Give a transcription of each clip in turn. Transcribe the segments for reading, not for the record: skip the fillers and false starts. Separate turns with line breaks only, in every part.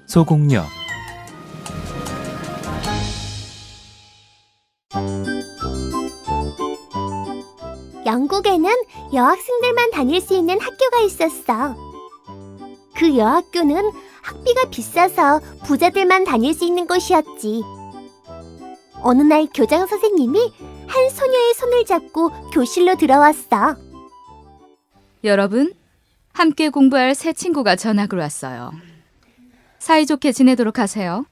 소공역.
영국에는 여학생들만 다닐 수 있는 학교가 있었어. 그 여학교는 학비가 비싸서 부자들만 다닐 수 있는 곳이었지. 어느 날 교장 선생님이 한 소녀의 손을 잡고 교실로 들어왔어.
여러분, 함께 공부할 새 친구가 전학을 왔어요. 사이좋게 지내도록 하세요.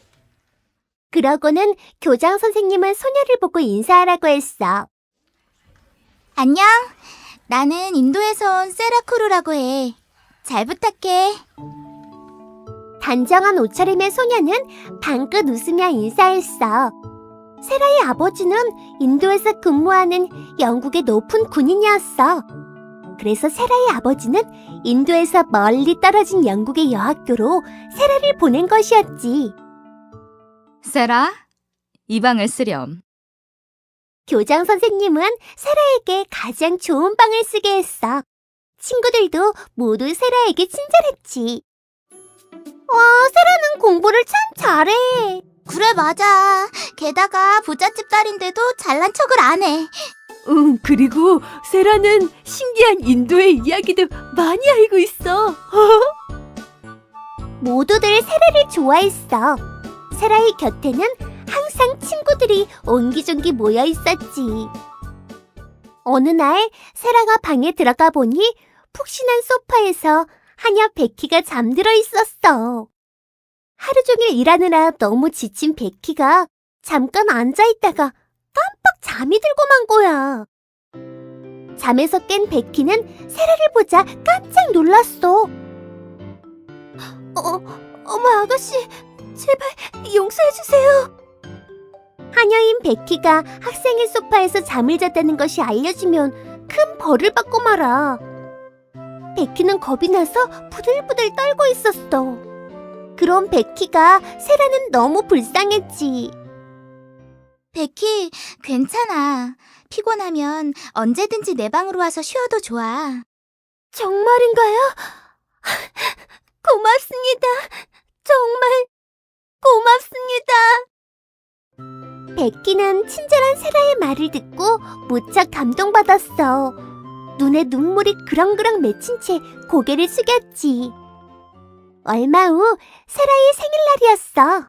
그러고는 교장 선생님은 소녀를 보고 인사하라고 했어.
안녕. 나는 인도에서 온 세라쿠루라고 해. 잘 부탁해.
단정한 옷차림의 소녀는 방긋 웃으며 인사했어. 세라의 아버지는 인도에서 근무하는 영국의 높은 군인이었어. 그래서 세라의 아버지는 인도에서 멀리 떨어진 영국의 여학교로 세라를 보낸 것이었지.
세라, 이 방을 쓰렴.
교장 선생님은 세라에게 가장 좋은 방을 쓰게 했어. 친구들도 모두 세라에게 친절했지. 와, 세라는 공부를 참 잘해.
그래, 맞아. 게다가 부잣집 딸인데도 잘난 척을 안 해.
그리고 세라는 신기한 인도의 이야기도 많이 알고 있어.
모두들 세라를 좋아했어. 세라의 곁에는 항상 친구들이 옹기종기 모여 있었지. 어느 날 세라가 방에 들어가 보니 푹신한 소파에서 하녀 베키가 잠들어 있었어. 하루 종일 일하느라 너무 지친 베키가 잠깐 앉아있다가 깜빡 잠이 들고 만 거야. 잠에서 깬 베키는 세라를 보자 깜짝 놀랐어. 어머 아가씨, 제발 용서해주세요. 하녀인 베키가 학생의 소파에서 잠을 잤다는 것이 알려지면 큰 벌을 받고 말아. 베키는 겁이 나서 부들부들 떨고 있었어. 그럼 베키가 세라는 너무 불쌍했지.
베키, 괜찮아. 피곤하면 언제든지 내 방으로 와서 쉬어도 좋아.
정말인가요? 고맙습니다. 정말 고맙습니다. 베키는 친절한 세라의 말을 듣고 무척 감동받았어. 눈에 눈물이 그렁그렁 맺힌 채 고개를 숙였지. 얼마 후 세라의 생일날이었어.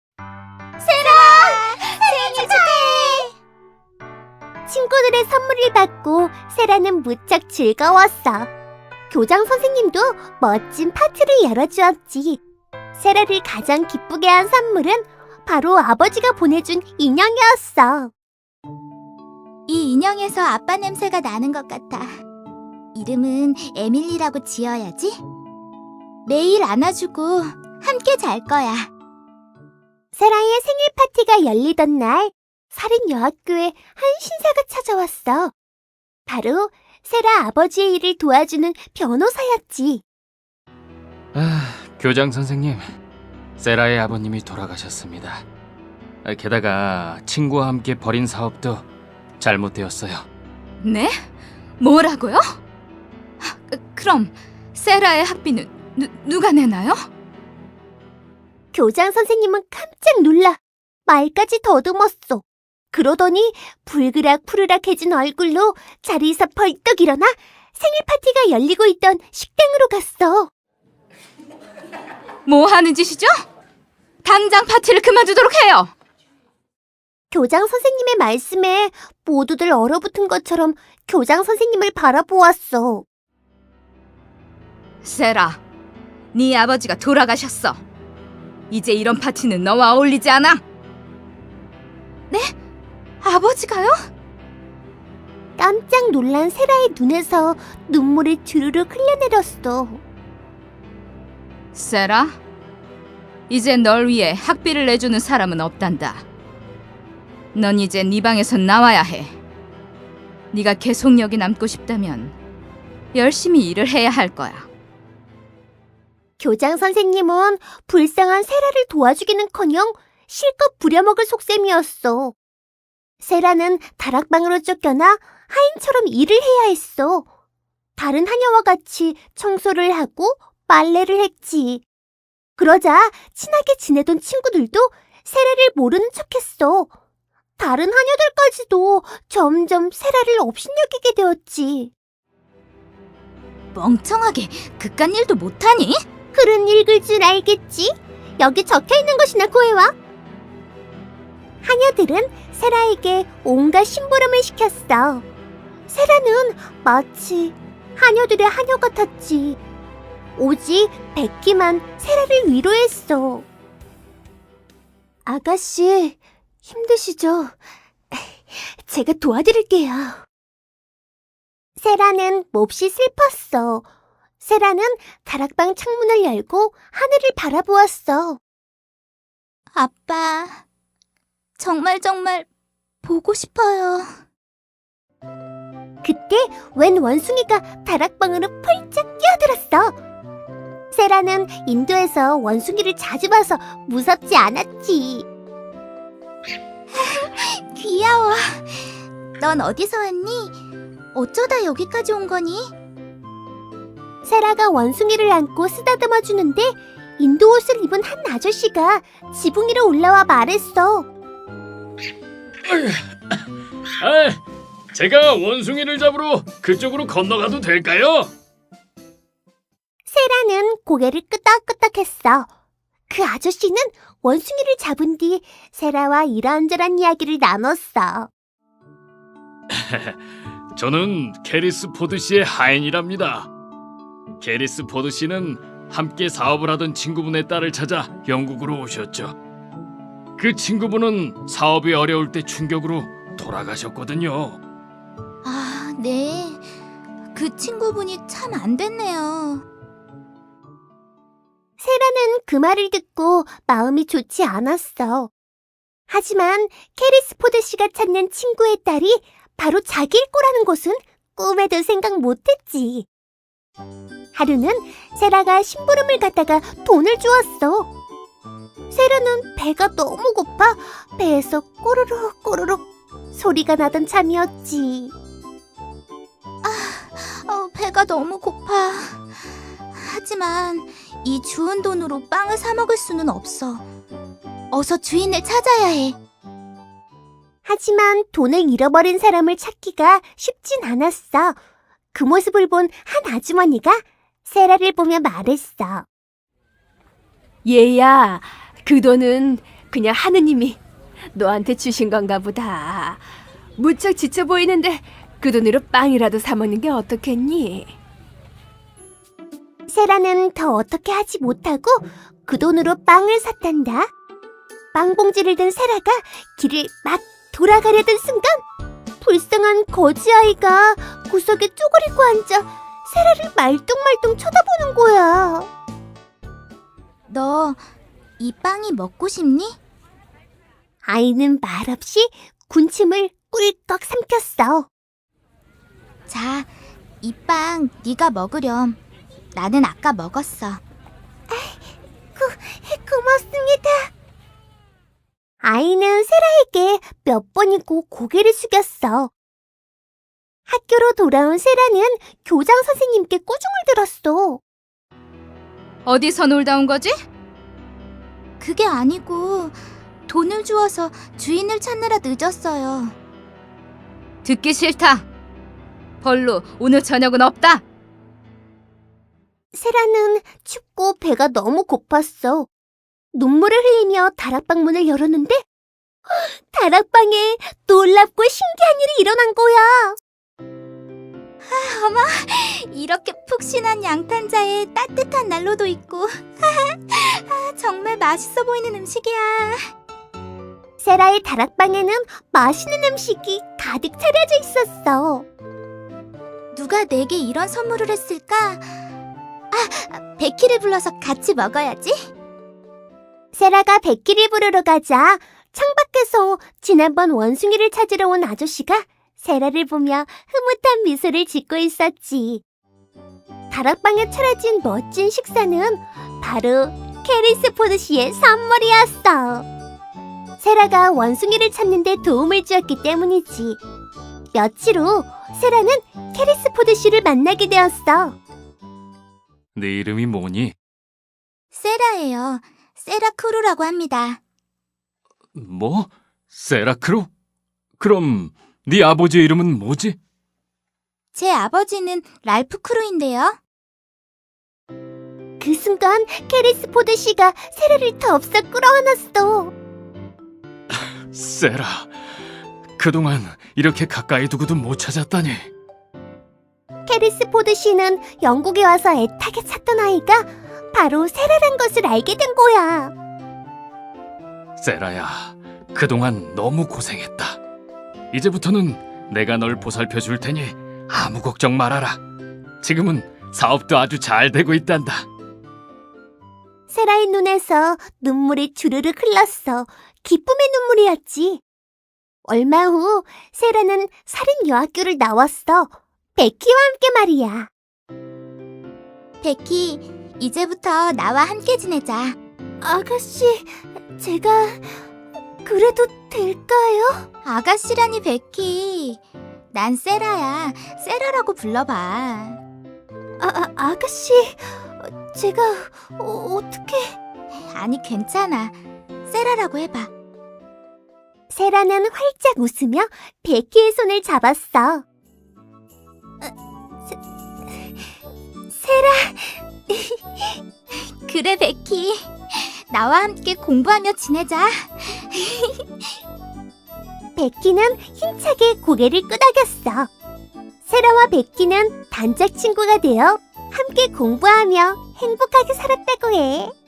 생일 축하해!
친구들의 선물을 받고 세라는 무척 즐거웠어. 교장 선생님도 멋진 파티를 열어주었지. 세라를 가장 기쁘게 한 선물은 바로 아버지가 보내준 인형이었어.
이 인형에서 아빠 냄새가 나는 것 같아. 이름은 에밀리라고 지어야지. 매일 안아주고 함께 잘 거야.
세라의 생일 파티가 열리던 날, 사린 여학교에 한 신사가 찾아왔어. 바로 세라 아버지의 일을 도와주는 변호사였지.
교장 선생님, 세라의 아버님이 돌아가셨습니다. 게다가 친구와 함께 벌인 사업도 잘못되었어요.
네? 뭐라고요? 그럼 세라의 학비는 누가 내나요?
교장 선생님은 깜짝 놀라 말까지 더듬었어. 그러더니 불그락푸르락해진 얼굴로 자리에서 벌떡 일어나 생일 파티가 열리고 있던 식당으로 갔어.
뭐 하는 짓이죠? 당장 파티를 그만두도록 해요.
교장 선생님의 말씀에 모두들 얼어붙은 것처럼 교장 선생님을 바라보았어.
세라, 네 아버지가 돌아가셨어. 이제 이런 파티는 너와 어울리지 않아. 네? 아버지가요?
깜짝 놀란 세라의 눈에서 눈물이 주르륵 흘러내렸어.
세라, 이제 널 위해 학비를 내주는 사람은 없단다. 넌 이제 네 방에서 나와야 해. 네가 계속 여기 남고 싶다면 열심히 일을 해야 할 거야.
교장 선생님은 불쌍한 세라를 도와주기는커녕 실컷 부려먹을 속셈이었어. 세라는 다락방으로 쫓겨나 하인처럼 일을 해야 했어. 다른 하녀와 같이 청소를 하고 빨래를 했지. 그러자 친하게 지내던 친구들도 세라를 모르는 척했어. 다른 하녀들까지도 점점 세라를 업신여기게 되었지.
멍청하게 그깟 일도 못하니?
글은 읽을 줄 알겠지? 여기 적혀있는 것이나 구해와. 하녀들은 세라에게 온갖 심부름을 시켰어. 세라는 마치 하녀들의 하녀 같았지. 오직 베키만 세라를 위로했어. 아가씨, 힘드시죠? 제가 도와드릴게요. 세라는 몹시 슬펐어. 세라는 다락방 창문을 열고 하늘을 바라보았어.
아빠, 정말 보고 싶어요.
그때 웬 원숭이가 다락방으로 펄쩍 뛰어들었어. 세라는 인도에서 원숭이를 자주 봐서 무섭지 않았지.
귀여워. 넌 어디서 왔니? 어쩌다 여기까지 온 거니?
세라가 원숭이를 안고 쓰다듬어 주는데 인도 옷을 입은 한 아저씨가 지붕 위로 올라와 말했어.
제가 원숭이를 잡으러 그쪽으로 건너가도 될까요?
세라는 고개를 끄덕끄덕했어. 그 아저씨는 원숭이를 잡은 뒤 세라와 이런저런 이야기를 나눴어.
저는 게리스 포드 씨의 하인이랍니다. 게리스 포드 씨는 함께 사업을 하던 친구분의 딸을 찾아 영국으로 오셨죠. 그 친구분은 사업이 어려울 때 충격으로 돌아가셨거든요.
아, 네. 그 친구분이 참 안 됐네요.
세라는 그 말을 듣고 마음이 좋지 않았어. 하지만 캐리스포드 씨가 찾는 친구의 딸이 바로 자기일 거라는 것은 꿈에도 생각 못했지. 하루는 세라가 심부름을 갔다가 돈을 주었어. 세라는 배가 너무 고파 배에서 꼬르륵 꼬르륵 소리가 나던 참이었지.
배가 너무 고파. 하지만 이 주운 돈으로 빵을 사 먹을 수는 없어. 어서 주인을 찾아야 해.
하지만 돈을 잃어버린 사람을 찾기가 쉽진 않았어. 그 모습을 본 한 아주머니가 세라를 보며 말했어.
얘야, 그 돈은 그냥 하느님이 너한테 주신 건가 보다. 무척 지쳐 보이는데 그 돈으로 빵이라도 사 먹는 게 어떻겠니?
세라는 더 어떻게 하지 못하고 그 돈으로 빵을 샀단다. 빵 봉지를 든 세라가 길을 막 돌아가려던 순간 불쌍한 거지아이가 구석에 쪼그리고 앉아 세라를 말똥말똥 쳐다보는 거야.
너 이 빵이 먹고 싶니?
아이는 말없이 군침을 꿀꺽 삼켰어.
자, 이 빵 네가 먹으렴. 나는 아까 먹었어.
고맙습니다. 아이는 세라에게 몇 번이고 고개를 숙였어. 학교로 돌아온 세라는 교장 선생님께 꾸중을 들었어.
어디서 놀다 온 거지?
그게 아니고 돈을 주어서 주인을 찾느라 늦었어요.
듣기 싫다. 벌로 오늘 저녁은 없다.
세라는 춥고 배가 너무 고팠어. 눈물을 흘리며 다락방 문을 열었는데 다락방에 놀랍고 신기한 일이 일어난 거야.
이렇게 푹신한 양탄자에 따뜻한 난로도 있고 정말 맛있어 보이는 음식이야.
세라의 다락방에는 맛있는 음식이 가득 차려져 있었어.
누가 내게 이런 선물을 했을까? 베키를 불러서 같이 먹어야지.
세라가 베키를 부르러 가자 창밖에서 지난번 원숭이를 찾으러 온 아저씨가 세라를 보며 흐뭇한 미소를 짓고 있었지. 다락방에 차려진 멋진 식사는 바로 캐리스포드 씨의 선물이었어. 세라가 원숭이를 찾는 데 도움을 주었기 때문이지. 며칠 후 세라는 캐리스포드 씨를 만나게 되었어.
네 이름이 뭐니?
세라예요. 세라 크루라고 합니다.
뭐? 세라크루? 그럼 네 아버지의 이름은 뭐지?
제 아버지는 랄프 크루인데요.
그 순간 캐리스 포드 씨가 세라를 더없어 끌어안았어.
세라, 그동안 이렇게 가까이 두고도 못 찾았다니.
캐리스 포드 씨는 영국에 와서 애타게 찾던 아이가 바로 세라란 것을 알게 된 거야.
세라야, 그동안 너무 고생했다. 이제부터는 내가 널 보살펴 줄 테니 아무 걱정 말아라. 지금은 사업도 아주 잘 되고 있단다.
세라의 눈에서 눈물이 주르륵 흘렀어. 기쁨의 눈물이었지. 얼마 후 세라는 살인 여학교를 나왔어. 베키와 함께 말이야.
베키, 이제부터 나와 함께 지내자.
아가씨, 제가 그래도 될까요?
아가씨라니 베키. 난 세라야. 세라라고 불러봐.
아가씨, 제가 어떻게...
아니 괜찮아. 세라라고 해봐.
세라는 활짝 웃으며 베키의 손을 잡았어. 세라,
그래 베키. 나와 함께 공부하며 지내자.
베키는 힘차게 고개를 끄덕였어. 세라와 베키는 단짝 친구가 되어 함께 공부하며 행복하게 살았다고 해.